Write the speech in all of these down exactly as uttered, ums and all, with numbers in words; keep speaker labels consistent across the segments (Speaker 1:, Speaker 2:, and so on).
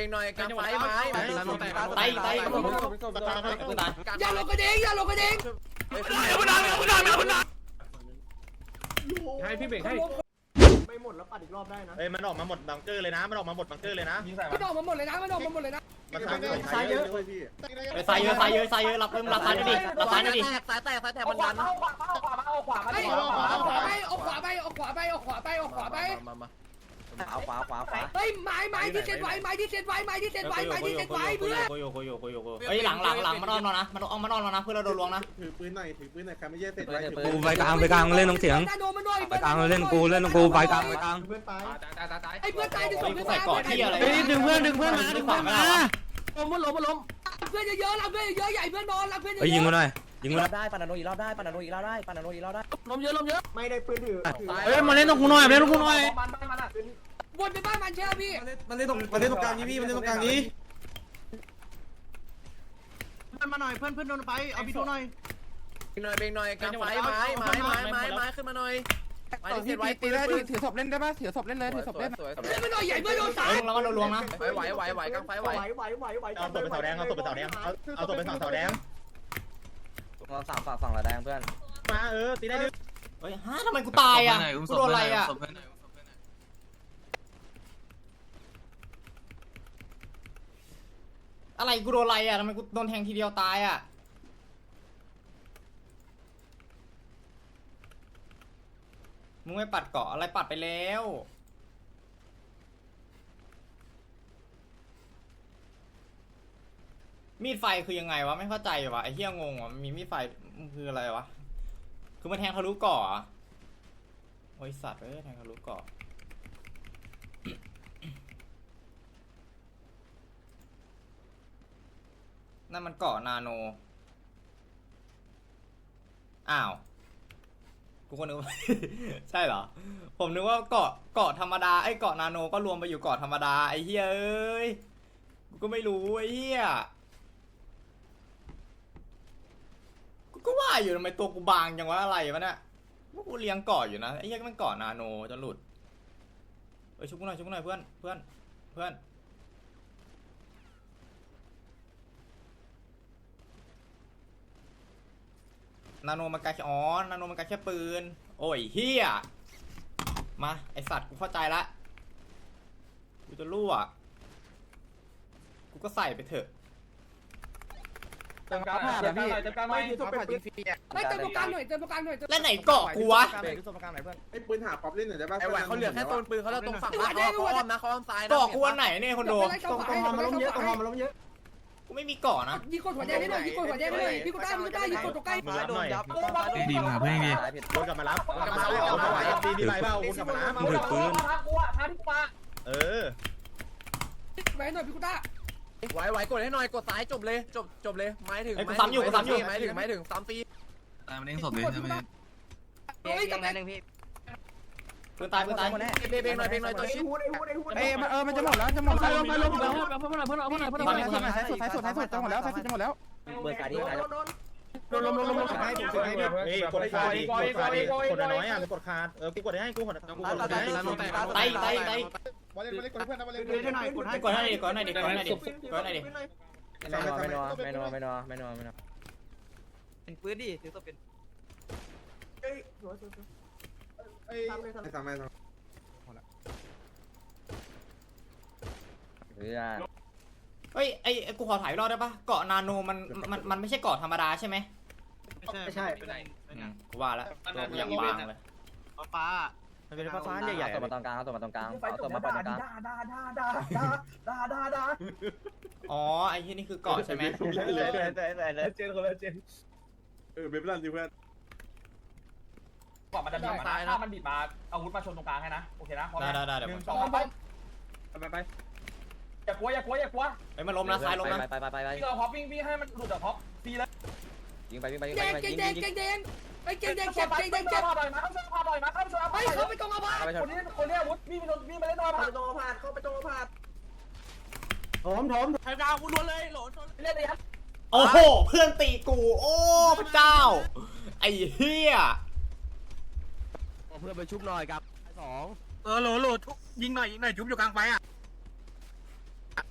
Speaker 1: งหน่อยกลางไฟไม้ไต่ไต่
Speaker 2: อย่าลงกระเด้งอย่าลงกระเด้ง
Speaker 3: ให้พี่เบรกให้
Speaker 4: ไม่หมดแล้วปัดอีกรอบได้นะ
Speaker 5: เอ้ยมันออกมาหมดบังเกอร์เลยนะมันออกมาหมดบังเกอร์เลยนะ
Speaker 2: มันออกมาหมดเลยนะมันออกมาหมดเลยนะ
Speaker 5: มันสายเยอะสายเยอะพี่
Speaker 1: ใส่เยอะใส่เยอะใส่เยอะรับเพิ่มรับซ้ายดิรับซ้ายดิ
Speaker 2: สายแตกสายแตกมันดันเอาขวาเอาขวาไปเอาขวาไปเอาขวาไปเอาขวาไปเอาขวาไปเอาขวาไป
Speaker 1: เอาขวาขวาขวา
Speaker 2: เฮ้ยไม้ไม้ที่เซ็ตไว้ไม้ที่เซ็ตไว้ไม้ที่เซ็ตไว้ไม้ที่เซ็ตไว้เพื่อน
Speaker 1: โยโยโยโยโยเฮ้ยหลังหลังหลังมานอนแล้วนะมันเอามานอนแล้วนะเพื่อเราโดนลวงนะ
Speaker 5: ถือปืนหน่อยถือปืนหน่อยใครไม่แย่เสร็จไว้
Speaker 6: กูไปกลางไปกลางเล่นตรงเสียงไปกลางเล่นกูเล่นกูไปกลางไปกลาง
Speaker 4: เพื่อนตาย
Speaker 2: ไอ้เพื่อนตายดึงศพ
Speaker 1: ใส่เกาะที่อะไร
Speaker 6: ดึงเพื่อนดึงเพื่อนมาดึงเพื่อนมา
Speaker 2: ล้มล้มล้มเพื่อนเยอะๆเราเพื่อนเยอะใหญ่เพื่อนนอนเราเพื่อน
Speaker 6: ไปยิงมาหน่อยยิงมา
Speaker 1: ได้ปานาโนอีกรอบได้ปานาโนอีกรอบได้ปานาโนอีกรอบได้
Speaker 2: ล้มเยอะล้มเยอะ
Speaker 4: ไม่ได้ปืนถือ
Speaker 6: เฮ้ยมาเล่นตรงกูหน่อยมาเล่นตรงกูหน่อย
Speaker 2: วนไปบ้านมันเชื่อพี่
Speaker 6: มันเล่นตรงมันเล่นตรงกลางนี้พี่มันเล่นตรงกลางนี้
Speaker 4: เพื่อนมาหน่อยเพื่อนเพื่อนโดนไปเอาพี่โดนหน่อย
Speaker 1: หน่อยเบงหน่อยกลางไฟไม้ไม้ไม้ไม้ไม้ขึ้นมาหน่อยไม้ที่เซ็ตไว้ตีได้ถือศพเล่นได้ป่ะถือศพเล่นเลยถือศพเล่น
Speaker 2: เพื่อนมันหน่อยใหญ่เพื่อนโดนสาย
Speaker 1: แล้วมันโดนลวงนะไหวไหวไหวกลางไฟไหว
Speaker 4: ไหวไหวไหว
Speaker 5: เอาตัวไปเสาแดงเอาตัวไปเสาแดงเอาเอาตัวไปเสาแดง
Speaker 1: เราสั่งฝั่งฝั่งละแดงเพื่อน
Speaker 5: มาเออตีได้ดิ
Speaker 1: เฮ้ยฮะทำไมกูตายอ่ะกูโดนอะไรอ่ะอะไรกูโดนอะไรอ่ะทำไมกูโดนแทงทีเดียวตายอ่ะมึงไม่ปัดเกาะอะไรปัดไปแล้วมีดไฟคือยังไงวะไม่เข้าใจวะไอ้เหี้ยงงวะมีมีดไฟคืออะไรวะคือมันแทงทะลุเกาะอ่ะโอ้ยสัตว์เอ้ยแทงทะลุเกาะนั่นมันเกาะนาโนอ้าวกูก็นึกว่า ใช่เหรอผมนึกว่าเกาะเกาะธรรมดาไอ้เกาะนาโนก็รวมไปอยู่เกาะธรรมดาไอ้เหี้ยเอ้ยกูก็ไม่รู้ไอ้เหี้ยกูก็ว่าอยู่ทำไมตัวกูบางจังวะอะไรวะเนี่ยว่ากูเลี้ยงเกาะอยู่นะไอ้เหี้ยก็มันเกาะนาโนจะหลุดเอ้ยชุบกูหน่อยชุบกูหน่อยเพื่อนเพื่อนเพื่อนนาโนมันกาแค่อ๋อนาโนมันกาแค่ปืนโอ้ยเฮียมาไอสัตว์กูเข้าใจละกูจะรั่วกูก็ใส่ไปเถอะ
Speaker 3: เติมกราฟผ่านนะพี่เติมกราฟหน่อย
Speaker 4: ไม่ผ่านยิงฟรี
Speaker 2: ไม่เติมตรงกลางหน่อยเติมตรงกลางหน่อย
Speaker 1: แล้วไหนเกาะกูวะ
Speaker 5: ไอ้ปืนหาป๊อปเล่นหน่อยได้ป่ะ
Speaker 1: ไอไหวเขาเหลือแค่ต้นปืนเขาเราตรงฝั่งเขาอ้อมนะเขาอ้อมซ้ายนะเกาะกูอันไหนเนี่ยคนดู
Speaker 4: ตรงตรงหอมาล้มเยอะตรงหอมาล้มเยอะ
Speaker 1: กูไม่มีเกาะนะ
Speaker 2: ยิงกดหัวแดงได้หน่อยยิงกดหัวแดงได้หน่อยพี่กูได้พี่กูได้ยิงกดตรงใกล้
Speaker 5: มารับหน่อย
Speaker 6: ดีมาเพื่อนดี
Speaker 5: วนกลับมารับกลับมารับเอาไหวดีดีไปเปล่าวนกลับมารับ
Speaker 6: มึงถือปืน
Speaker 5: เออ
Speaker 2: ไว้หน่อยพี่กูได้
Speaker 1: ไหวไหวกดให้หน่อยกดซ้ายจบเลยจบจบเลยไม้ถึงไม้ถึงไม้ถึงไม้ถึงซ้ำตี
Speaker 6: ตามเล่นสดเลยใช่ไหม
Speaker 2: เฮ้ยกับแม่
Speaker 1: ปืนตายปืนตายเบเบงหน่อยเบงหน่อยตัวชิด
Speaker 6: เอ้ยเออมันจะหมดแล้วจะหมดแล้ว
Speaker 2: ไปลงไปลงเพื่อนหน่อยเพื่อนหน่อยเพื่อนหน่อยเพื่อนหน่อยเพื่อนหน่อย
Speaker 6: ท้ายสุดท้ายสุดท้ายสุดจะหมดแล้วท้ายสุดจะหมดแล้ว
Speaker 1: เบอร์การที่ไหน
Speaker 4: โดนโดน
Speaker 5: ลงลงลงลงให้ผมให้เฮ้ยกดคาดิกดคาดิกดน้อยอ่ะกดคาเออกูกดให้กูกดกูกดให้
Speaker 1: ไต่ไต่ไต่
Speaker 5: บอลเล่นบอลเล่นกดเพื่อนนะบอลเล่น
Speaker 4: เล่นหน่อยกดให้
Speaker 1: กดให้ดิกดให้ดิกดให้ดิกดให้ดิ
Speaker 5: ไม่นอนไม่นอนไม่นอนไม่นอน
Speaker 1: ไม่นอนไม่นอน
Speaker 3: เป็นปืนดิถือตัวเป็น
Speaker 4: เฮ้ยสวยสวยสวย
Speaker 5: เอ้ยไม่ทำไม่ทำ
Speaker 1: เฮ้ยไอกูขอถ่ายรอบได้ปะเกาะนาโนมันมันมันไม่ใช่เกาะธรรมดาใช่ไหม
Speaker 4: ไม่ใช่
Speaker 1: กูว่าแล้วตัวกูยังบางเลย
Speaker 3: ฟ้า
Speaker 1: มันเป็นฟ้าใหญ่ๆตัวมาตรงกลางตัวมาตรงกลาง
Speaker 4: ไฟตกมาด่าด่าด่าด่าด่าด่าด่าด่า
Speaker 1: อ๋อไอ้ที่นี่คือเกาะใช่ไหม
Speaker 5: เลยเลยเลย
Speaker 4: เจนคนละเจน
Speaker 5: เออเบฟลันดิเพื่อน
Speaker 7: กว่ามันจะบีบมาถ้ามันบีบมาอาวุธมาชนตรงกลางให้นะโอเคนะ
Speaker 1: ได้ได้ได้เดี๋ยว
Speaker 7: หนึ่
Speaker 1: ผ
Speaker 7: ง
Speaker 1: ม
Speaker 7: สองไป
Speaker 5: ไปไป
Speaker 7: อย่ากลัวอย่ากลัวอย่ากลัว
Speaker 1: ไอ้มันล้มนะซ้ายล้มนะ
Speaker 6: ไปไปไปไป
Speaker 7: พี่เราฮอปวิ่งวิ่งให้มันหลุดจากฮอปตีเลย
Speaker 6: ยิงไปยิงไปยิง
Speaker 2: แด
Speaker 6: ไป
Speaker 2: ง
Speaker 6: ยิง
Speaker 2: แดง
Speaker 6: ยิง
Speaker 2: แดงแดงไอ้เกงแดง
Speaker 7: เจ็
Speaker 2: เจ็
Speaker 7: บบ เจ็
Speaker 2: เก
Speaker 7: บ
Speaker 2: งแด
Speaker 7: เจ็
Speaker 2: ง
Speaker 7: บ
Speaker 2: เจ็บ
Speaker 7: พาบ่อยมาเข้าชนพาบ่อยมาเข้าชน
Speaker 2: ไอ้เขาไปตรงอาบ้า
Speaker 7: คนนี้คนนี้อาวุธวิ่งไปวิ่งไปเล่นตัวผ่าน
Speaker 4: ตรงผ่านเข้าไปตรงผ่าน
Speaker 5: ถมถม
Speaker 7: ใครกลางกูล้วนเลยโหลเล่นเลยครับ
Speaker 1: โอ้โหเพื่อนตีกูโอ้พระเจ้าไอ้เหี้ย
Speaker 6: เพื่อนไปชุบหน่อยกับสอง
Speaker 3: เออโหลโหลยิงหน่อยยิงหน่อยจุ๊บอยู่กลางไฟอ่ะ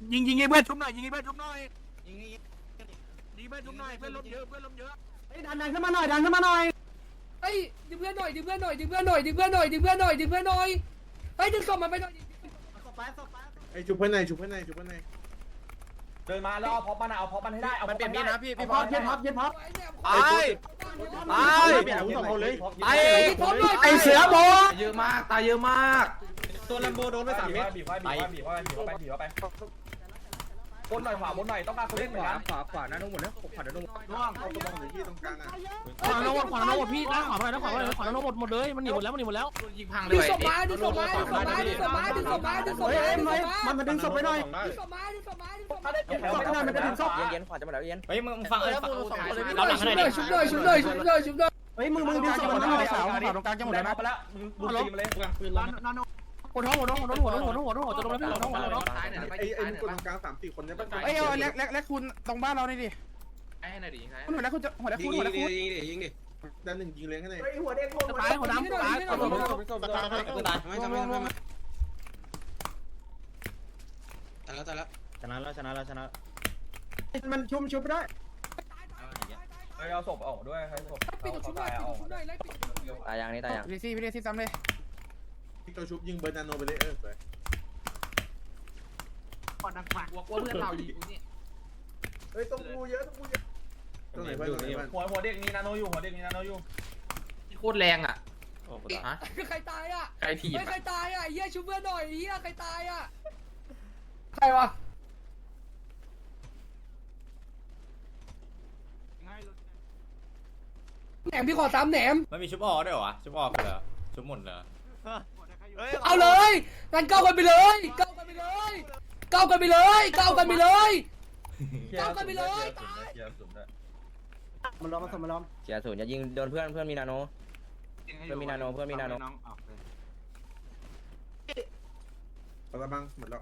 Speaker 6: ยิงยิงให้เพื่อนชุบหน่อยยิงให้เพื่อนชุบหน่อยยิงยิงยิงเพื่อนชุบหน่อยเพื่อนล้มเยอะเพื่อนล้มเยอะดันดันขึ้นมาหน่อยดันขึ้นมาหน่อย
Speaker 2: เฮ้ยดึงเพื่อนหน่อยดึงเพื่อนหน่อยดึงเพื่อนหน่อยดึงเพื่อนหน่อยดึงเพื่อนหน่อยดึงเพื่อนหน่อยเฮ้ยดึงศพมันไปหน่อย
Speaker 5: ไอ้ชุบเพื่อนไหนชุบเพื่อนไหนชุบเพื่อนไหน
Speaker 7: เดินมาแล้วเอาพอปมันเอาพอปมันให้ได้เอา
Speaker 5: มันเปลี่ยนมีดนะพี่
Speaker 7: พี่
Speaker 5: พี่พอดเย็นพับเย็นพับ
Speaker 2: ไป
Speaker 5: ไปเปลี่ยนอาวุธสองคนเลยไป
Speaker 2: ไอเสือโบ
Speaker 3: เยอะมากตายเยอะมาก
Speaker 5: ตัวลัมโบโดนไปสามเมตร
Speaker 7: บีบไว้บีบไว้บีบไว้บีบไว้บีบไว้บนหน่อยขวาบนหน่อยต้องการคนเล่นเหมือนกัน
Speaker 5: ขวาขวาหน้านุ่มหมดแล้วขวาหน้านุ่มร่วงเอาตัวมองหรือที่ตรงกลางอ่ะ
Speaker 6: ขวาโน้ตขวาโน้ตพี่นะขวาไปนะขวาไปขวาโน้ตหมดหมดเลยมันหนีหมดแล้วมันหนีหมดแล้ว
Speaker 3: ยิงพังเล
Speaker 2: ดึง
Speaker 3: ย
Speaker 2: ศพมาดึงศพมาดึงศพมาดึงศพมาดึงศพมาดึงศพมาดึงศพมา
Speaker 5: มันมาดึงศพไปหน่อย
Speaker 2: ดึงศพมาดึงศพมาดึงศพมา
Speaker 7: เย็นๆขวาจะมาแล้วเย็น
Speaker 1: เฮ้ยมึงฟังเอ้ยฟัง
Speaker 2: ชุบ
Speaker 1: เรา
Speaker 2: ห
Speaker 1: ห
Speaker 2: น่
Speaker 1: ลั
Speaker 2: อง ย
Speaker 1: ข้างใน
Speaker 2: ชุบ
Speaker 1: ดิ
Speaker 2: หน่อยชุบหน่อยชุบหน่อยชุบหน่อยชุบหน่อย
Speaker 5: เฮ้ยมึงมึงดึงศพมันหน่อยสาวขวาตรงกลางจะหมดแล้วนะ
Speaker 7: ไปแล้วมึงบูตีมเลย
Speaker 5: ปืนล้ม
Speaker 6: หัวท้องหัวท้องหัวท้องหัวท้องหัวท้องหัวท้องหัวจะลงแล้วพี่หัวท้องหัวท้อง
Speaker 3: ซ้ายหน่อยไป
Speaker 5: ไอ้ไอ้
Speaker 3: ซ้ายห
Speaker 5: มึ
Speaker 3: น่
Speaker 5: ง
Speaker 3: อย
Speaker 5: กดตรงกลางสามสี่คนเนี่ยป่ะ
Speaker 6: เอ้ยเอาเล็กเล็กเล็กคุณตรงบ้านเรานี่ดิ
Speaker 3: ให้หน่อยดิซ้าย
Speaker 6: คุณหัวเล็กคุณจะหัวเล็กคุณหัวเล็กคุณ
Speaker 5: ด้านหนึ่งยิงเลี้ยงให้หน่อย
Speaker 4: เฮ้ยหัวเด็กลง
Speaker 6: ตายหัวดำตายหัวดำ
Speaker 1: ตายตาย
Speaker 5: ไม่ทำไม่ทำไม่ชนะแล้วชนะแล้วชนะแล้วชนะมันชุบชุบได้
Speaker 7: เฮ้ยเอาศพออกด้วยให้ศพ
Speaker 2: ปิดชุบหน่อยปิดชุบหน่อยไล่ปิด
Speaker 7: ตายยังนี่ตายยัง
Speaker 6: พี่ซี่พี่ซี่ซ้ำเลย
Speaker 5: พี่ตัวชุบยิงเบอร์นาโนไปเลยเออไป
Speaker 3: กลัวกลัวเพื่อนเรายิงกูนี่
Speaker 4: เฮ้ยตรงกูเยอะตรงกูเยอะ
Speaker 5: ตรงไหนเพื่อนตรงไหนเพื่อน
Speaker 7: หัวหัวเด็กมีนาโนอยู่หัวเด็กมีนาโนอยู่
Speaker 3: โคตรแรงอ่ะฮะ
Speaker 2: ใครตายอ่ะ
Speaker 3: ใครถีบ
Speaker 2: ใครตายอ่ะเฮียชุบเพื่อนหน่อยเฮียใครตายอ่ะใครวะแหนมพี่ขอสามแหนม
Speaker 1: มันมีชุบออด้วยเหรอวะชุบออกเหรอชุบหมดเหรอ
Speaker 2: เอาเลยงั้นเก้ากันไปเลยเก้ากันไปเลยเก้ากันไปเลยเก้ากันไปเลยเก้ากันไปเลยตาย
Speaker 5: มันล้อมมันสมมันล้อม
Speaker 7: เสียศูนย์อย่ายิงโดนเพื่อนเพื่อนมีนาโน เพื่อนมีนาโนเพื่อนมีนาโน
Speaker 5: เอาละบังหมดแล้ว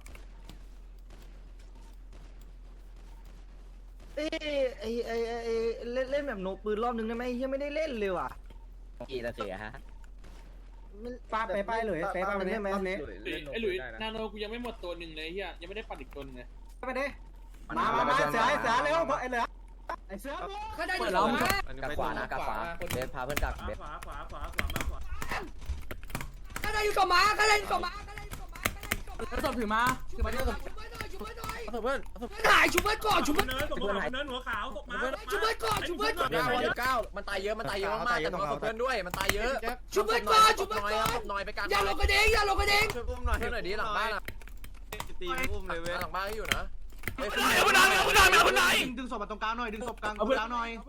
Speaker 8: เอ้ไอไอไอเล่นเล่นแบบโนปืนรอบนึงได้ไหมยังไม่ได้เล่นเลยว่ะ
Speaker 7: กี่ตะเสียฮะ
Speaker 8: ปาไปไปเลยไปไปได้ไหมรอบนี้
Speaker 9: ไอ้หลุยนาโนกูยังไม่หมดตัวหนึ่งเลยเฮียยังไม่ได้ปัดอีกตัวนึงเลย
Speaker 8: ไปดิมามามาเสือเสือเร็วไอเหลือไอเสือ
Speaker 2: ข้าได้อยู่ขวา
Speaker 7: กับขวานะกับขวาเบสพาเพื่อนกับเบส
Speaker 5: ขวาขวาขวาขวามาขวา
Speaker 2: ข้าได้อยู่ขวาข้าได้อยู่ขวาข้าได้อยู่ขวาข้าได้อยู่ขวา
Speaker 6: แล้วศพถือมา
Speaker 2: ชุบเพื่อนหน่อยชุบเพื่อนหน่อยชุบเพื่อนหน่อย
Speaker 6: เพื่อน
Speaker 2: เพื่อนหายชุบเพื่อนก่อนชุบเพื่อน
Speaker 5: เนินผมบอกเนินหัวขาวตกมา
Speaker 2: ชุบเพื่อนก่อนชุบเพื่อนก่อน
Speaker 7: เก้าเก้ามันตายเยอะมันตายเยอะมากแต่ตัวเพื่อนด้วยมันตายเยอะ
Speaker 2: ชุบเพื่อนก่อนชุบเพื่อนก่อน
Speaker 7: หน่อยไปกัน
Speaker 2: อย่าลงกระเด้งอย่าลงกระเด้ง
Speaker 7: ช่วยอุ้มหน่อยให้หน่อยดีหลังบ้านอ่ะตีอุ้มเลยเว้ยหลังบ้านอยู่นะ
Speaker 6: เอาคนไหนเอาคนไหนเอาคนไหน
Speaker 8: ดึงศพมาตรงกลางหน่อยดึงศพกลางตรงกลางหน่อย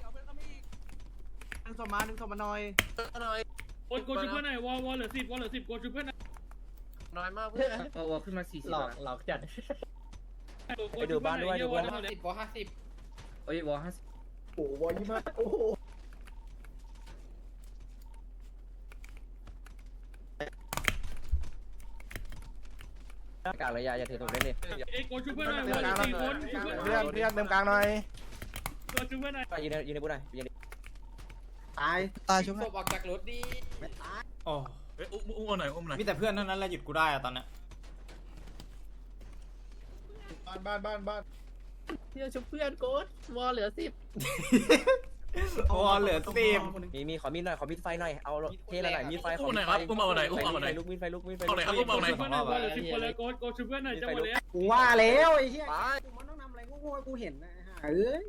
Speaker 8: ดึงศพมาดึงศพมาหน่อย
Speaker 7: หน่อย
Speaker 9: โอนโกชุบเพื่อนหน่อยวอลวอลเหลือสิบวอลเหลือสิบโกชุบเพื่อนหน่อย
Speaker 7: น้อยมากเพื่อน
Speaker 3: วอขึ้นมาสี่สิบ
Speaker 8: หลอกหลอกจัด
Speaker 7: ไปดูบ้านด้วยดูบ้าน
Speaker 9: สิบวอลห้าสิบ
Speaker 3: เอ้ยวอห้าสิบ
Speaker 4: โอ้โหวอยี่มากโอ้โห
Speaker 7: กลางระยะอย่าถือถูกเล่นดิ
Speaker 9: เอ้โกชุบเพื่อนหน่อยวอลเหลือสี่คนชุบเพื่อนหน่
Speaker 5: เพื่
Speaker 9: อ
Speaker 5: อย นเพื่อนเติมกลางหน่อย
Speaker 9: โกชุบเพื่อนหน่อย
Speaker 7: ยืนยืนในบูธหน่อยยืน
Speaker 8: ตาย
Speaker 6: ตายชุบ
Speaker 9: ศพออกจากรถดิ
Speaker 1: โอ้
Speaker 6: อุ้มอุ้มหน่อยอุ้มหน่อย
Speaker 1: มีแต่เพื่อนเท่านั้นแหละหยุดกูได้อะตอนเนี้ย
Speaker 5: บ้านบ้านบ้านบ้าน
Speaker 8: เพื่อนชุบเพื่อนโกดวอเหลือสิบ
Speaker 1: โอ้เหลือสิบ
Speaker 7: มีมีขอมีดหน่อยขอมีดไฟหน่อยเอาเทอะไรหน่อยมีดไฟขอ
Speaker 6: อุ้มหน่อยครับอุ้มเอาหน่อยอุ้มเอาหน่อย
Speaker 7: ลุกมีดไฟลุกมีดไฟ
Speaker 6: เอาหน่อยครับอุ้มเอาหน่อย
Speaker 9: ชุบเพื่อนหน่อยวอลเหลือสิบคนเลยโกโกชุบเพื่อนหน่อยจังหวะเนี้ย
Speaker 8: กูว่าแล้วไอ้เหี้ย
Speaker 7: ไป
Speaker 8: กูมันต้องทำอะไรกูกูเห็นนะเอ้ย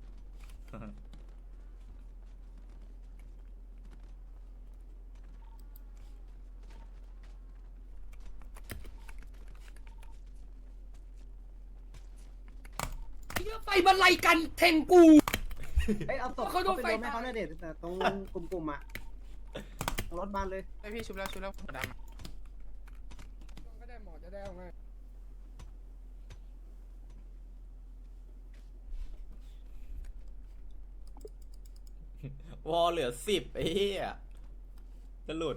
Speaker 2: เฮียไฟมันไล่กันแทงกู
Speaker 8: เอ้ยเอาตกเขาโดนไฟให้เขาเนี่ยเด็ดแต่ตรงกลุ่มๆอ่ะรถบ้านเลย
Speaker 6: ไอพี่ชุบแล้วชุบแล้วดำ
Speaker 2: ก็ได้หมอจะได้เอาไง
Speaker 1: วอลเหลือสิบไอ้เหี้ยจะหลุด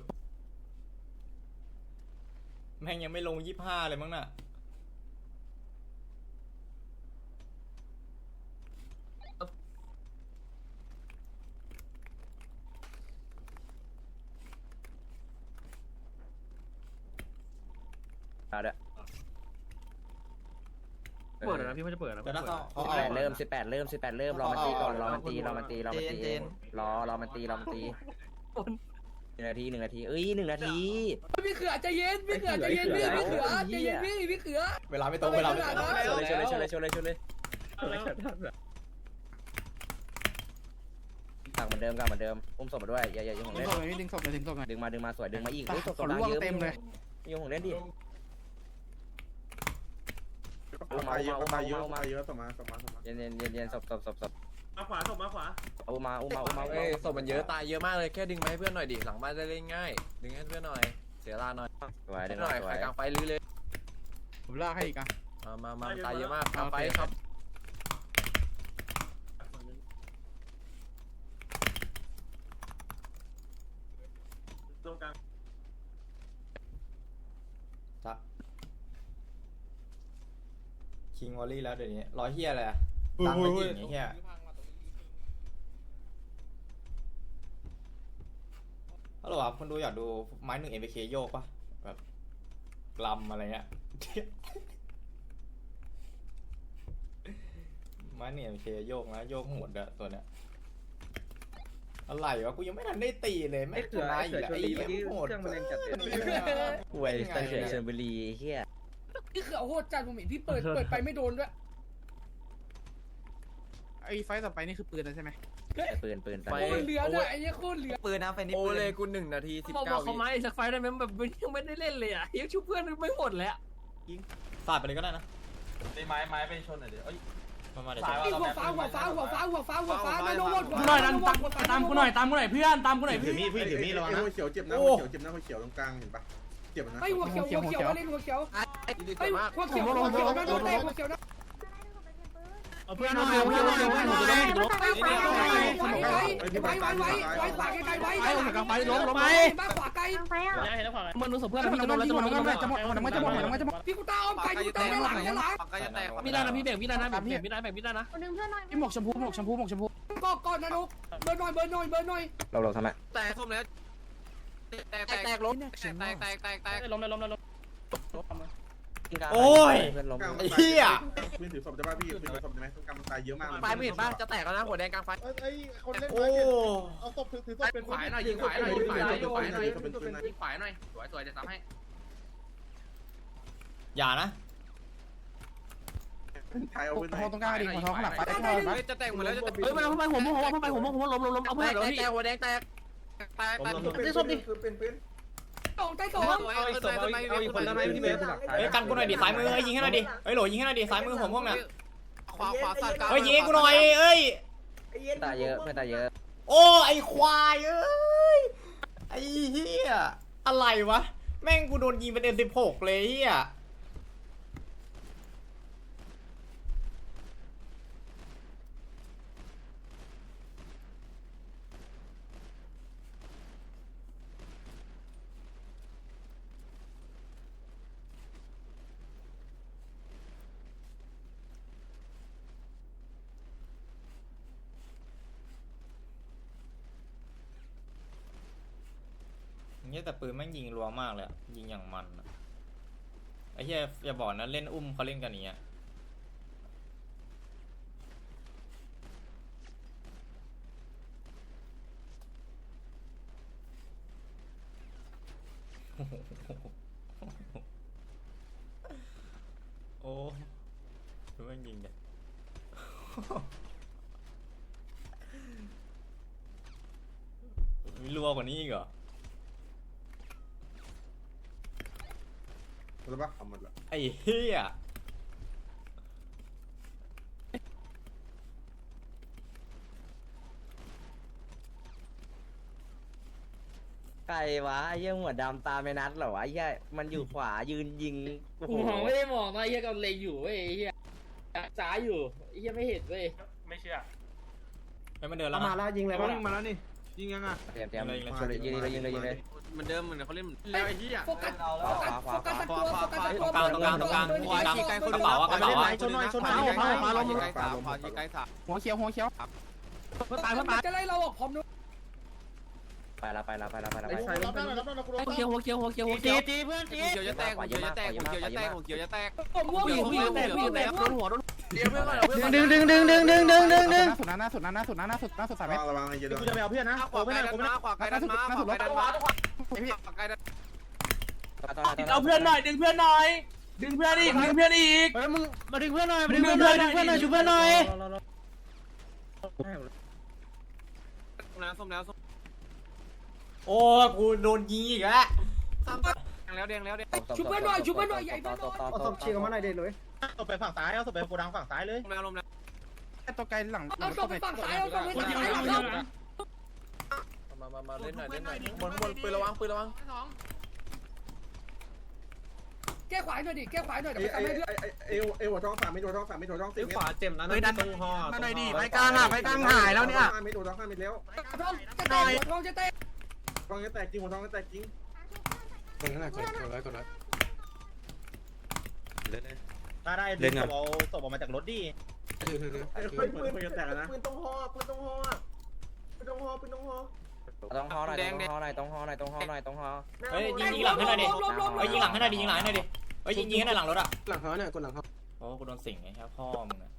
Speaker 1: แม่งยังไม่ลงยี่ห้าเลยมั้งน่ะ
Speaker 7: เอาเด้อ
Speaker 6: เปิดนะพี่ไม่จะเปิดนะ
Speaker 1: เดี๋ยวนะเขาเขา
Speaker 10: สิบ
Speaker 1: เอา
Speaker 10: แปดเริ่มสิบแปดเริ่มสิบแปดเริ่มรอมันตีก่อนรอมันตีรอมันตีรอมันตีรอรอมันตีรอมันตีหนึ่งนาทีหนึ่งนาทีเอ้ยหนึ่งนาที
Speaker 2: พี่เขือใจเย็นพี่เขือใจเย็นพี่พี่เขือใจเย็นพี่พี่เขือ
Speaker 1: เวลาไม่ตรงเวลาไม่ตรง
Speaker 10: ชนเลยชนเลยชนเลยชนเลยชนเลยกลับเหมือนเดิมกลับเหมือนเดิมอุ้มศพมาด้วยอย่าอย่ายุ่งของ
Speaker 6: ดึ
Speaker 10: เล่
Speaker 6: ง
Speaker 10: น
Speaker 6: ศพเลยดึงศพเลยดึงศพเลย
Speaker 10: ดึงมาดึงมาสวยดึงมาอีกเฮ้ยศพ
Speaker 6: ขนล่วงเต็มเลย
Speaker 10: ยุ่งของเล่นดิ
Speaker 5: ตายเยอะตายเยอะตายเยอะสมาสมาสมา
Speaker 10: เย็นเย็นเย็นเย็นศพศพศพศพ
Speaker 3: มาขวาศพมาขวา
Speaker 10: อุ้มมาอุ้มมาอุ้มมา
Speaker 11: เอ้ยศพมันเยอะตายเยอะมากเลยแค่ดึงมาให้เพื่อนหน่อยดิหลังบ้านได้เล่นง่ายดึงให้เพื่อนหน่อยเสียเวลาหน่อย
Speaker 10: สวย
Speaker 11: นิ
Speaker 10: ดึ
Speaker 11: ด
Speaker 10: ง
Speaker 11: หน่อย
Speaker 10: สว
Speaker 11: ใคร
Speaker 10: ย
Speaker 11: กลางไฟลื้อเลย
Speaker 6: ผมลากให้อีกอ่ะ
Speaker 11: มามามาตายเยอะมากกลางไฟครับ
Speaker 3: ตรงกลาง
Speaker 1: ซักคิงวอลลี่แล้วเดี๋ยวนี้ร้อยเฮียอะไรอะตังค์ไปยิงไอ้เฮียฮัลโหลครับคนดูอยากดูไม้หนึ่งเอ็มเคโยกปะแบบลำอะไรเงี้ย ไม้หนึ่งเอ็มเคโยกนะโยกโหดอะตัวเนี้ยอะไรวะกูยังไม่ทันได้ตีเลยไม่ชนะอีกแล้วไอ้เหี้ยโหด
Speaker 10: หวยสเตชันเชอร์เบรีเฮีย
Speaker 2: พี่เขือโหดจัดผมเห็นพี่เปิดเปิดไปไม่โดนด้วย
Speaker 6: ไอ้ไฟต่อไปนี่คือปืนแล้วใช่ไหม
Speaker 10: ปืนปืน
Speaker 2: โคตรเหลือด้วยไอ้เนี่ยโคตรเหลือ
Speaker 8: ปืนนะไฟนี้
Speaker 11: โอ
Speaker 8: ปืน
Speaker 11: เลยกูหนึ่งนาทีสิบ
Speaker 6: บอก
Speaker 11: เก้า
Speaker 6: เขา
Speaker 11: วิ
Speaker 6: มาอีกสักไฟได้ไหมแบบยังไม่ได้เล่นเลยอ่ะยังชุบเพื่อนไม่หมดเลยอ่ะ
Speaker 1: สาดไปเลยก็ได้นะ
Speaker 7: ตีไม้ไม้ไปชนหน่อยดิเอ้ย
Speaker 1: มามาเดี๋ยว
Speaker 7: สาย
Speaker 1: จะ
Speaker 7: ว่า
Speaker 2: หั
Speaker 7: เรา
Speaker 2: ว
Speaker 7: แบบ
Speaker 2: ฟ้าหัวฟ้าหัวฟ้าหัวฟ้าหัวฟ้านาโนหมด
Speaker 6: กูหน่อยตามตามกูหน่อยตามกูหน่อยเพื่อนตามกูหน่อย
Speaker 5: ถื
Speaker 6: พี่
Speaker 5: อมีดพี่ถือมีดระวังนะหัวเขียวเจ็บนะหัวเขียวเจ็บนะหัวเขียวตรงกลางเห็นปะเจ็บนะ
Speaker 2: ไอ้หัวเขียวหัวเขียวเล่นหัวเขียว
Speaker 11: ดี
Speaker 2: ไอ้
Speaker 11: มาก
Speaker 2: หัวเขียวหัวเขียวนาโนเตะหัวเขียวนะ
Speaker 6: เพื่อนหน่อยเพื่อนหน่อยเพื่อนหน่อยจะได้ไม่ล้ม
Speaker 2: ไว้ไว้ไว้ไว้ไว้ไว้ขวาไกลๆไว้
Speaker 6: ไอ้ผมกลางไฟล้มล้มไป
Speaker 2: บ้าขวาไกล
Speaker 6: มันรู้สึกเพื่อนมันจะหมดแล้วจะหมดแล้วจะหมดมันจะหมดมันจะหมด
Speaker 2: พี่กูตาอมไก่กูตาด้านหลังด้านหลัง
Speaker 6: มีได้นะพี่แบ่งมีได้นะแบ่งมีได้แบ่งมีได้นะ
Speaker 12: ดึงเพื่อนหน่อย
Speaker 6: พี่หมกชมพูหมกชมพูหมกชมพู
Speaker 2: ก็ก่อนนาโนเบอร์หน่อยเบอร์หน่อยเบอร์หน่อย
Speaker 10: เราเราทำไม
Speaker 11: แตกส้มแล้วแตกแตกแตกล้มแตกแตกแตกแตก
Speaker 6: ล้มเลยล้มเลยล้ม
Speaker 1: โอ้ย
Speaker 10: เพื่อนล้ม
Speaker 1: ไอ้เหี้ย
Speaker 5: ปืนถือศพจะป่ะพี่ปืนถือศพใช่ไหมตรงกลางมันตายเยอะมาก
Speaker 11: ไฟไม่เห็นป่ะจะแตกแล้วนะหัวแดงกลางไฟ
Speaker 5: ไอ้คนเล่น
Speaker 1: โอ้
Speaker 5: เอาศพถือถือศพเป็น
Speaker 11: ขวายหน่อยยิงขวายหน่อยยิงขวายหน่อยยิงขวายหน่อยยิงขวายหน่อยสวยสวยจะทำให้
Speaker 1: อย่านะ
Speaker 5: ใครเอาปืนไหน
Speaker 6: หัวตรงกลางดิหัวท้องขนาดไฟ
Speaker 11: จะแตกหมดแล้วจะแตก
Speaker 6: เฮ้ยมันไปหัวมุมหัวมันไปหัวมุมหัวล้มล้มล้มเอา
Speaker 11: แต
Speaker 6: เพื่อน
Speaker 11: ก
Speaker 6: เดี๋ยวพี่
Speaker 11: แตกหัวแดงแตกแตกแตก
Speaker 5: เป็นศพดิคือเป็นปืน
Speaker 2: สองใต้สอง
Speaker 11: เอาอีกศพเอาอีกเอาอีกคนละไหมพี่เบส
Speaker 1: เฮ้ยกันกูหน่อยดิซ้ายมือเฮ้ยยิงให้หน่อยดิเฮ้ยโหลยิงให้หน่อยดิซ้ายมือผมพวกเนี่ย
Speaker 11: ขวาขวาสัตว์กลาง
Speaker 1: เฮ้ยยิงให้กูหน่อยเอ้ย
Speaker 10: ตายเยอะเพื่อนตายเยอะ
Speaker 1: โอ้ไอควายเอ้ยไอเฮียอะไรวะแม่งกูโดนยิงเป็นเอ็มสิบหกเลยเฮียเนี่ยแต่ปืนแม่งยิงรัวมากเลยอะยิงอย่างมันอะไอ้เหี้ยอย่าบอกนะเล่นอุ้มเขาเล่นกันอย่างเงี้ยโอ้ดูแม่งยิงเนี่ยมีรัวกว่านี้อีกเหรอ
Speaker 5: หรือปะเอาหมดละ
Speaker 1: ไอ้เหี้ย
Speaker 10: ใครวะเยี่ยหัวดำตาไม่นัดเหรอวะเยี่ยมันอยู่ขวายืนยิงโอ้โห
Speaker 9: มองไม่ได้มองนะเฮียกำลังเลงอยู่เว้ยเฮียจ้าอยู่เฮียไม่เห็นเว้ย
Speaker 6: ไม่เชื่อ
Speaker 1: ไม่มาเดินแล้ว
Speaker 8: มา
Speaker 1: นะ
Speaker 8: แล้วยิงเลยยิงมาแล้วนี่ยิงยังอ่ะ
Speaker 10: เตรียมเตรียมยิงเลยยิงเลยยิงเลยยิงเลย
Speaker 11: เหมือนเดิมเหมือนเขาเล่นแล้วไอ้ที่อ่ะ
Speaker 2: โฟกัสโฟกัสโฟกัสตัวโฟกัสตัว
Speaker 1: ตรงกลางตรงกลางตรงกลางกระเป๋าอะกระเป๋าอะ
Speaker 11: ชนหน่อยชนหน่อยใกล้สามพอที่ใกล้สาม
Speaker 6: หัวเขียวหัวเขียวเพื่อตายเพื่อตาย
Speaker 2: จะไล่เราออกพร้อมนู้น
Speaker 10: ไปละไปละไปละไปละ
Speaker 5: ไอ้ชายรับได้รับได้กู
Speaker 2: หัวเขียวหัวเขียวหัวเขียวหัวเขียว
Speaker 9: ตีเพื่อนตีเขียวจะแตกเขียวจะแตกเขียวจะแตกเขียวจะแตก
Speaker 2: ผมม่วงอยู่ม่วงแตกม่วงแตก
Speaker 9: โดนหัวโดน
Speaker 8: ดึงดึงดึงดึงดึงดึงดึงดึง
Speaker 6: สุดนะหน้าสุดนะหน้าสุดนะหน้าสุดหน้าสุดสามเมตร
Speaker 5: ระวังไอ้เหี้ยกูจะไปเอาเพื่อนนะ
Speaker 9: ขวาไกลดันมาขวาไกลดันมาขวาไกลดันมาขวาไกลดัน
Speaker 10: เอาเพื่อนหน่อย
Speaker 9: ดึงเพื่อนหน่อย ดึงเพื่อนอีกดึงเพื่อนอีก
Speaker 8: เฮ้ยมึงมาดึงเพื่อนหน่อยมาดึงเพื่อนหน่อยดึงเพื่อนหน่อยช่วยเพื่อนหน่อย
Speaker 9: น้ำส้มแล้วส้ม
Speaker 1: โอ้กูโดนยิงอีกแล้ว
Speaker 9: แล้วแดงแล้วแดง
Speaker 2: ชุบเพื่อนหน่อยชุบเพื่อนหน่อยใหญ่เพื่อนหน่อย
Speaker 8: เอาศพฉีกออกมาหน่อยเด็ดเลย
Speaker 5: เอาไปฝั่งซ้ายเอาไปโกดังฝั่งซ้ายเลย
Speaker 9: ลมแล้วลมแล้ว
Speaker 6: ตัวไกลหลัง
Speaker 2: เอาศพไปฝั่งซ้ายเอาศพไปฝั่งซ้ายเอาศพ
Speaker 11: มามามาเล่นหน่อยเล่นหน่อยบนบนปืนระวังปืนระวัง
Speaker 2: แก้ขวาหน่อยดิแก้ขวาหน่อยเดี๋ยวไปทำให้เพื่อน
Speaker 5: เอวเอวหัวท้องสามไม่หัวท้องสามไม่หัวท้องสี่
Speaker 6: ขวาเจ็บนะ
Speaker 8: เฮ้ยดัน
Speaker 6: ตรงหอ
Speaker 8: มาหน่อยดิไปกลางอ่ะไปกลางหายแล้วเนี่ย
Speaker 5: ไม่หัวท้องห้าเม็ดแล้ว
Speaker 2: ท้องจะแตกท้องจะแตก
Speaker 5: ท้องจะแตกจริงหัวท้องจะแตกจริง
Speaker 6: กดนั่นแหละกดกดไว้กดไว้
Speaker 5: ถ้าได้เล่นเอาศพออกมาจากรถดิปืนปืนจะแตกนะปืนตรงหอปืนตรงหอปืนตรงหอปืนตรงหอ
Speaker 10: ต้องฮอหน่อยต้องฮอหน่อยต้องฮอหน่อยต้องฮอหน่อยต้องฮอ
Speaker 1: เฮ้ยยิงยิงหลังให้หน่อยดิเฮ้ยยิงหลังให้หน่อยดิยิงหลังให้หน่อยดิเฮ้ยยิงยิงให้หน่อยหลังรถอ่ะ
Speaker 6: หลังเขาเนี่ยกดหลังเขา
Speaker 1: โอ้กูโดนสิงไงครับพ่อมึงนะ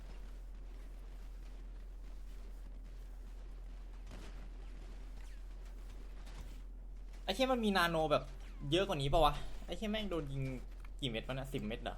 Speaker 1: ไอ้เชี่ยมันมีนาโนแบบเยอะกว่านี้ป่าวะไอ้เชี่ยแม่งโดนยิงกี่เม็ดวะเนี่ยสิบเม็ดเหรอ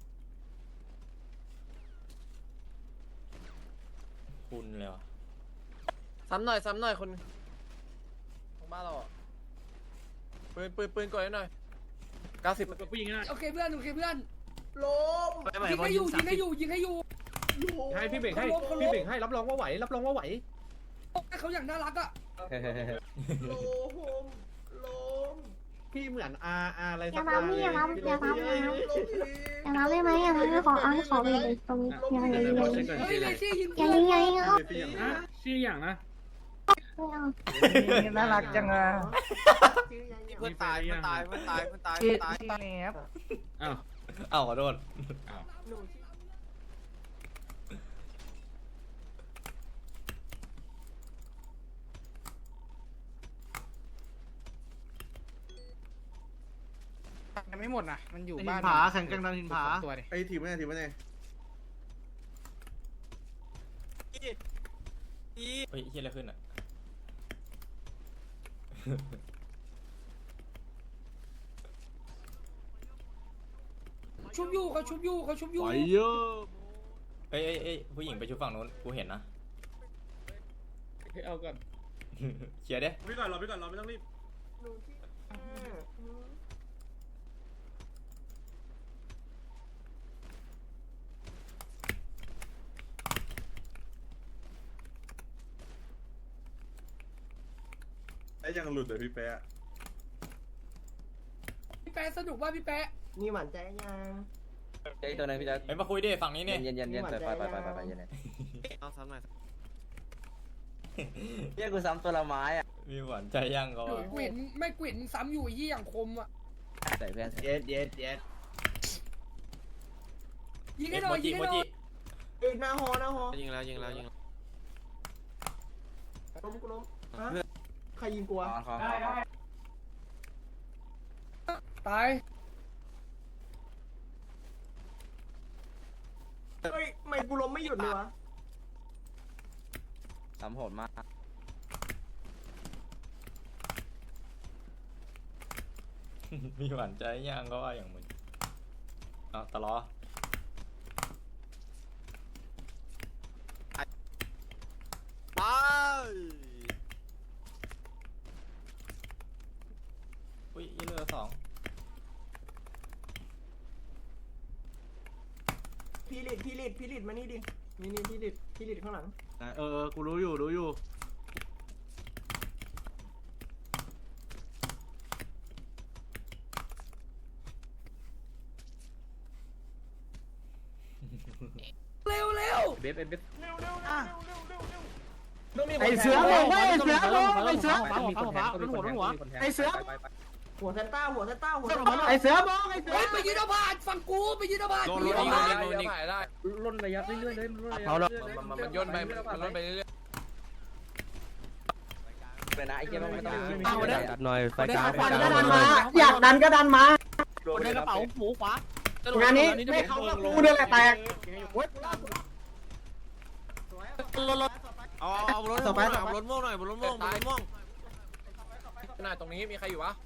Speaker 1: คุณเลยวะ
Speaker 11: ซ้ำหน่อยซ้ำหน่อยคนของบ้านเราปืนปืนปืนกดให้หน่อยเก้าสิบ
Speaker 9: ผู้หญิงน่ะ
Speaker 2: โอเคเพื่อนโอเคเพื่อน
Speaker 5: ล้ม
Speaker 2: ยิงให้อยู่ยิงให้อยู่ยิงให้อยู่
Speaker 6: ให้พี่เบ่งให้พี่เบ่งให้รับรองว่าไหวรับรองว่าไหว
Speaker 2: เขาอย่างน่ารักอ่ะ
Speaker 5: ล้มล้ม
Speaker 6: พี่เหมือนอาอาอะไร
Speaker 12: อย่าทำพี่อย่าทำอย่าทำอย่าทำอย่าทำได้ไหมอย่าทำไม่ขอเอาขอไปเลยตรงนี้อย่าอย่าอย่า
Speaker 2: เฮ้ยเลยซี่ยิง
Speaker 12: อย่ายิงอย่ายิงเอา
Speaker 9: ชื่ออย่างนะ
Speaker 12: ไม่เอา
Speaker 8: น่ารักจังอ่ะ
Speaker 9: เพื่อนตายเพื่อนตายเพื่อนตายเพื่อนตาย
Speaker 8: พี่
Speaker 9: เพื่อนตาย
Speaker 8: พี่แอบ
Speaker 9: อ้าว
Speaker 1: เอ้าขอโทษ
Speaker 6: ยังไม่หมดนะมันอยู่บ้าน
Speaker 8: ผาแข่งกันดันหินผา
Speaker 6: ตัวดิ
Speaker 5: ไอ้ทีมไม่ไงทีมไม่ไง
Speaker 1: เฮ้ยเฮียอะไรขึ้นอ่ะ
Speaker 2: ชุบอยู่เขาชุบอยู่เขาชุบอยู่
Speaker 1: เอ้ยเอ้ยเอ้ยผู้หญิงไปชุบฝั่งนู้นกูเห็นนะ
Speaker 9: เอาก่อน
Speaker 1: เคลียร์ดิ
Speaker 5: พี่ก่อนรอพี่ก่อนรอไม่ต้องรีบไอ้ยังหลุดเลยพี่แป๊ะ
Speaker 2: พี่แป๊ะสนุกว่าพี่แป๊ะ
Speaker 8: นี่หวานใจยัง
Speaker 10: เจ๊ตัวนึงพี่จะ
Speaker 1: เฮ้ยมาคุยดิฝั่งนี้เนี่ย
Speaker 10: เย็นเย็นเย็นไปไปไปไปไปเย็น
Speaker 9: เอาซ้ำหน่อย
Speaker 10: เรียกกูซ้ำตัวละไม้อ่ะ
Speaker 1: มีหวานใจยังก็
Speaker 2: กวินไม่กวินซ้ำอยู่ยี่อย่างคมอ่ะ
Speaker 10: ใส่เพื่อน
Speaker 8: เย็ดเย็ดเย็ด
Speaker 2: ยิงให้หน่อยยิงให้หน่อย
Speaker 8: เอ้ยหน้าหอหน้าหอ
Speaker 9: ยิงแล้วยิงแล้วยิงแล้ว
Speaker 8: ล้มกูล้มใครยิงกู
Speaker 10: ข
Speaker 8: อ่ะ
Speaker 10: อขอขอ
Speaker 2: ตาย
Speaker 8: เฮ้ยไม่กูล้มไม่หยุดเลยวะ
Speaker 10: ซ้ำโหดมาก
Speaker 1: มีหวานใจยังก็ว่าอย่างมึงเอาตะล้อ
Speaker 9: ไป
Speaker 1: อุ้ยยี่เรือสอง
Speaker 8: พี่ลิดพี่ลิดพี่ลิดมานี่ดินี่นี่พี่ลิดพี่ลิดข้างหลัง
Speaker 6: เออกูรู้อยู่รู้อยู่
Speaker 2: เร็วเร็ว
Speaker 6: เบฟเบฟ
Speaker 8: ไอเสือบอกว่าไอเสือบอกไอเสือ
Speaker 6: มีคนแทงมีคนแทงมีคนแทง
Speaker 8: ไอเสือหัวเซนต้าหัวเซนต้าหัวไอเสือบอกไอเสือ
Speaker 2: เฮ้ยไปยืนเอาผ่านฝั่งกูไปยืนเอาผ่าน
Speaker 11: โดน
Speaker 2: ไปยืน
Speaker 11: โด
Speaker 2: เอา
Speaker 11: น
Speaker 2: ผ่าน
Speaker 11: โดนถ่ายได้
Speaker 6: ล่นระยะเรื่อยๆเลยล่นระยะ
Speaker 11: มันมันมันย่นไปมันย่นไปเรื่อย
Speaker 1: ไ
Speaker 10: เลยนะไอ้เหี้ยไม่ต้อง
Speaker 6: ดันหน่อยไฟกลาง
Speaker 8: ขวาก็ดันมาอยากดันก็ดันมา
Speaker 9: คนในกระเป๋าหมูขวาง
Speaker 8: านนี้ไม่เขากูเดินแหละแตก
Speaker 11: เอาเอารถต่อไปเอารถม่วงหน่อยรถม่วงรถม่วงหน่อยตรงนี้มีใครอยู่วะ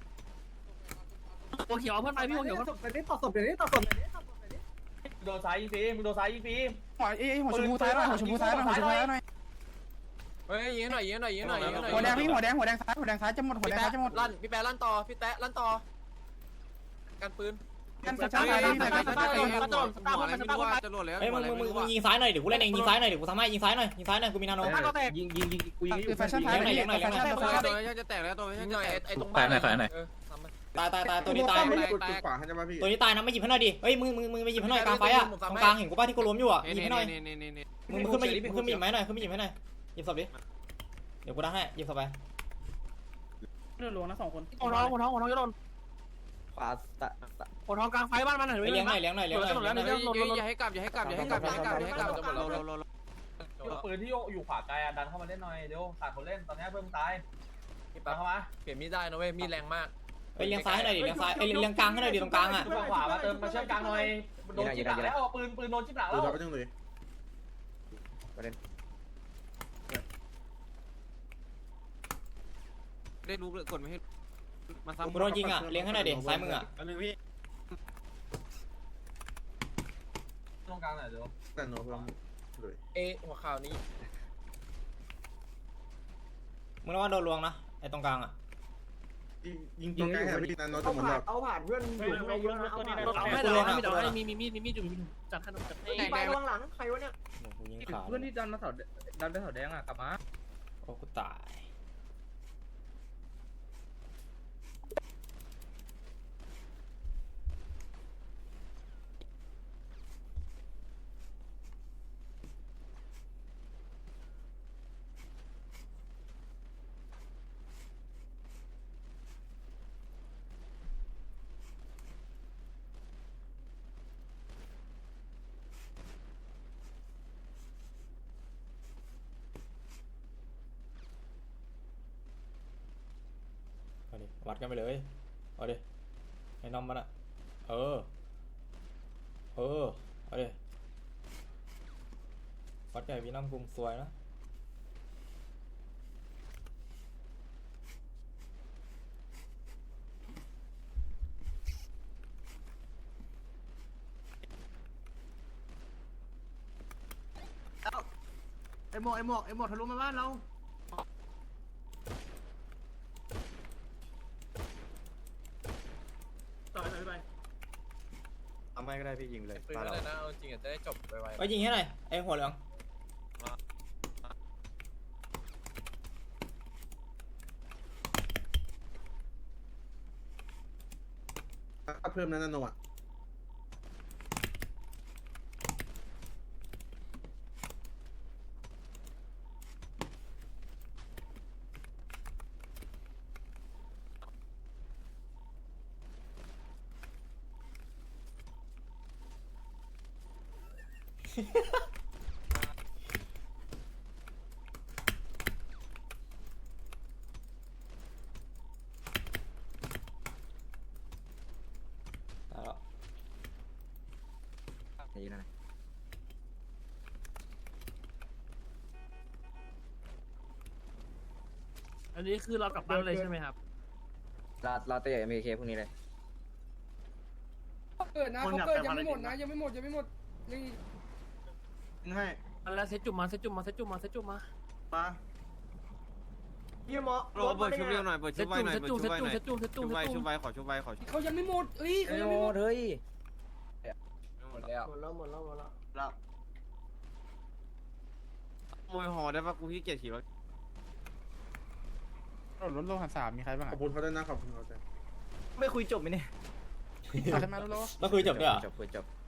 Speaker 9: หัวเขียวเพื่อนไปพี่หัวเขียว
Speaker 8: ต่อศพไปดิต่อศพเดี๋ยวนี้ต่อศพ
Speaker 7: โดนซ้ายยิงฟรีมึงโดนซ้ายยิงฟรี
Speaker 6: หัวเอ้ยหัวชมพูซ้ายหน่อยหัวชมพูซ้ายหน่อยหัวชมพูซ้ายหน่อย
Speaker 11: เฮ้ยยิงหน่อยยิงหน่อยยิงหน่อยยิงหน่อย
Speaker 6: หัวแดงพี่หัวแดงหัวแดงซ้ายหัวแดงซ้ายจะหมดหัว
Speaker 11: พี่
Speaker 6: แดง
Speaker 11: แป๊ะ
Speaker 6: ซ้ายจะหมด
Speaker 11: ลั่นพี่แป๊ะลั่นต่อพี่แป๊ะลั่นต่อกันปืน
Speaker 6: กันซ้ายซ้ายซ้ายซ้ายซ้าย
Speaker 11: หัวอะไรไม่รู้ว่าจะหล่นแล้ว
Speaker 1: เฮ้ยมึงมึงมึงยิงซ้ายหน่อยเดี๋ยวกูเล่นเองยิงซ้ายหน่อยเดี๋ยวกูทำให้ยิงซ้ายหน่อยยิงซ้ายหน่อยกูมีนาโน
Speaker 6: ยิงยิงยิงกูยิงอยู่แฟชั่นท้ายแฟชั่นท้าย
Speaker 11: ตัวนี้จะแตกแล้วตัวนี้จะแตกไอ้ตรงบ้าน
Speaker 1: ตายตายตายตัวนี้ตาย
Speaker 5: กดขวาให้จะมาพี่
Speaker 1: ตัวนี้ตายนะไม่หยิบให้หน่อยดิเฮ้ยมึงมึงมึงไปหยิบให้หน่อยกลางไฟอ่ะตรงกลางเห็นกูป่ะที่กูล้มอยู่อ่ะหยิบให้หน่อยมึงขึ้นมาหยิบขึ้นมาหยิบไม้หน่อยขึ้นมาหยิบให้หน่อยหยิบศพดิเดี๋ยวกูดันให้หยิบศพไป
Speaker 6: เลือดลงนะสองคน
Speaker 9: หัวท้องหัวท้องหัวท้องจะโดน
Speaker 10: ขวาตะ
Speaker 9: หัวท้องกลางไฟบ้านมันหน่อย
Speaker 1: เลี้ยงหน่อยเลี้ยงหน่อยเลี้ยงหน่อย
Speaker 11: อย่าให้กลับอย่าให้กลับอย่าให้กลับอย่าให้กลับอย่าให้กลับจะหมดเรา
Speaker 7: ปืนที่อยู่ขวาไกลอ่ะดันเข้ามาเล่นหน่อยเดี๋ยวขาดคนเล่นตอนนี้เพิ่มตายดันเข้ามา
Speaker 11: เปลี่ยนมีดได้นะเว้ยมีดแรงมาก
Speaker 1: เฮ้ยเลี้ยงซ้ายให้หน่อยดิเลี้ยงซ้ายเอ้ยเลี้ยงกลางให้หน่อยดิตรงกลางอ่ะ
Speaker 7: ฝั่งขวามาเติมมาเชื่อมกลางหน่อยโดนจิ้มหลังแล้วปืนปืนโดนจิ้มหลัง
Speaker 5: ดู
Speaker 7: แล้ว
Speaker 5: เราไปจังเลย
Speaker 10: ประเด็น
Speaker 11: ได้รู้เลยกดไม่ให้มาซ้ำ
Speaker 1: กูโดนยิงอ่ะเลี้ยงให้หน่อยดิซ้ายมืออ่ะ
Speaker 5: อันนึงพี่
Speaker 7: ตรงกลางหน่อยเดี๋ยว
Speaker 5: แต่โน้ตเลย
Speaker 11: เอหัวข่าวนี้
Speaker 1: มึงระวังโดนลวงนะไอ้ตรงกลางอ่ะ
Speaker 5: ยิงตรงกลางให้พี่นันโน้ตจะหมดแล้ว
Speaker 8: เอาผ่านเพื่อนอยู่ข้างในเยอะนะเอาผ่าน
Speaker 9: เอาให้เราให้เราให้มีมีมีดมีมีดอยู่มีจัดขนมจัดให้
Speaker 8: ไประวังหลังใครวะเนี่ย
Speaker 1: กูยิงขา
Speaker 3: เพื่อนที่ดันมาเสาดันไปเสาแดงอ่ะกลับมา
Speaker 1: โอ้กูตายเอาดิวัดกันไปเลยเอาดิไอ้น้องมันอ่ะเออเออเอาดิวัดกันพี่น้ำกรุงสวยนะ
Speaker 6: ไอหมอกไอหมอกไอหมอกทะลุมาบ้านเรา ต่อยต่อยไป
Speaker 5: ทำให้ก็ได้พี่ยิงเลย
Speaker 11: ปืนอะไรนะเอาจริงอ่ะจะได้จบไว
Speaker 1: ไปยิงให้หน่อยไอ้หัวเหลือง
Speaker 5: เพิ่มนั้นนันโนอ่ะ
Speaker 1: ตายแล้ว
Speaker 10: นี่นะ
Speaker 9: อันนี้คือเรากลับบ้านเลยใช่ไหมครับ
Speaker 10: รอรอเตะเอ็มเคพวกนี้เลย
Speaker 2: เกิดนะเขาเกิดยังไม่หมดนะยังไม่หมดยังไม่หมดยัง
Speaker 5: ให้
Speaker 9: แล้วเซตจุ่มมาเซตจุ่มมาเซตจุ่มมาเซตจุ่มมา
Speaker 5: มา
Speaker 8: เยี่ยมอ
Speaker 11: ๆรอเบิร์ดชุบเร็วหน่อยเบิร์ด
Speaker 9: เซ
Speaker 11: ชุ
Speaker 9: ต
Speaker 11: บไว
Speaker 9: จุ่ม
Speaker 11: หน่อย
Speaker 9: เซ
Speaker 11: เบิ
Speaker 9: ต
Speaker 11: ร์ด
Speaker 9: จุ่
Speaker 11: ชุ
Speaker 9: ม
Speaker 11: บไว
Speaker 9: เซต
Speaker 11: หน่อย
Speaker 9: จุ่มเซตจุ่มเซตจุ่ม
Speaker 11: ชุบไวขอชุบไวขอ
Speaker 2: เขายังไม่หมดเอ้ยเขายังไม่หมด
Speaker 10: เฮ้ย
Speaker 11: หมดแล้ว
Speaker 8: หมดแล้วหมดแล้วหมดแล้ว
Speaker 11: แล้วมวยหอได้ปะกูขี้เกียจขี่รถ
Speaker 6: รถโลหันสามมีใครบ้าง
Speaker 5: ขอบคุณเขาด้วยนะขอบคุณเขาด้วย
Speaker 8: ไม่คุยจบไหมเนี่ย
Speaker 6: ใครมารถโล
Speaker 1: มาคุยจบด้วยเหรอ
Speaker 10: จบคุยจบ